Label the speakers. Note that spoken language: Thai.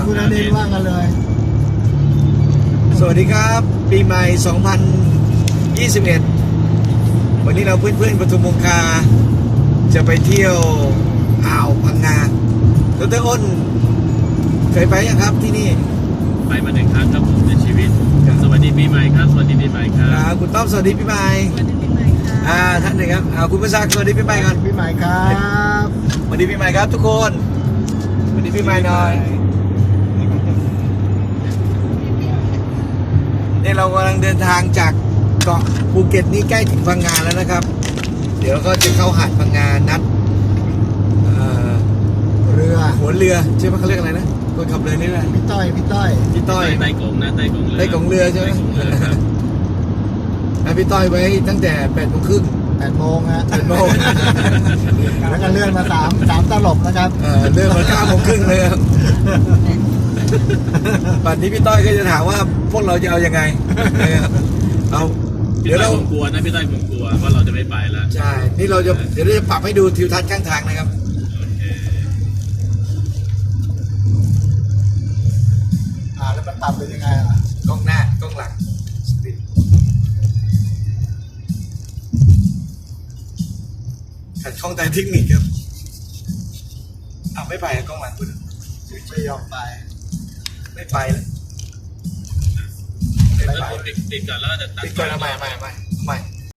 Speaker 1: คุณอเนนว่ากันเลย
Speaker 2: สวัสดีครับปีใหม่ 2021 วันนี้เราเพื่อนๆปทุมคงคาจะไปเที่ยวอ่าวพังงาดร.อ้นเคยไปยังครับที่นี่
Speaker 3: ไปมา1 ครั้งครับผมในชีวิต สวัสดีปีใหม่ครับ สวัสดีปีใหม่ครับ
Speaker 2: คุณต้อมสวัสดีปีใหม่
Speaker 4: สวัสดีปีใหม่ค่ะ
Speaker 2: ท่านหนึ่งครับคุณประสาสวัสดีปีใหม่ก่อน
Speaker 1: พี่ใหม่ครับ
Speaker 2: สวัสดีปีใหม่ครับทุกคนสวัสดีปีใหม่หน่อยเนี่ยเรากำลังเดินทางจากเกาะภูเก็ตนี่ใกล้ถึงพังงาแล้วนะครับ เดี๋ยวก็จะเข้าหาดพังงานัด
Speaker 1: เรือ
Speaker 2: หัวเรือใช่ไหมเขาเรียกอะไรนะคนขับเรือนี่แหละ
Speaker 1: พี่ต้อย
Speaker 2: พี่ต้อย
Speaker 3: ไต้กงนะไต้กงเรือ
Speaker 2: ไต้กงเรือใช่ไหม
Speaker 3: ไต้กงเรือครับ
Speaker 2: ให้พี่ต้อยไว้ตั้งแต่8:30
Speaker 1: 8 โมงฮะ
Speaker 2: 8 โมง
Speaker 1: แล้วก็เลื่อนมา3 ตลบนะครับ
Speaker 2: เรื่องมา9:30เลยครับปัจนี้พี่ต้อยก็จะถามว่าพวกเราจะเอายังไงนะครับเอา
Speaker 3: พี่
Speaker 2: เดี๋ยว
Speaker 3: ต้อย
Speaker 2: เรา
Speaker 3: ผมกลัวนะพี่ต้อยผมกลัวว่าเราจะไม่ไปแล้ว
Speaker 2: ใช่นี่เราจะเดี๋ยวเราจะปรับให้ดูทิวทัศน์ข้างทางนะครับ
Speaker 3: โอเค
Speaker 1: แล้วมันปรับเป็นยังไงอ่ะ
Speaker 2: กล้องหน้ากล้องหลังขัดข้องทางเทคนิคครับไม่ไปกล้องหลังคุณ
Speaker 1: ไม่ยอมไป
Speaker 2: ไม่ไปเลย
Speaker 3: แล้วผมติดก่อนแล้วก็จะตัด
Speaker 2: ติดก่อนเอาใหม่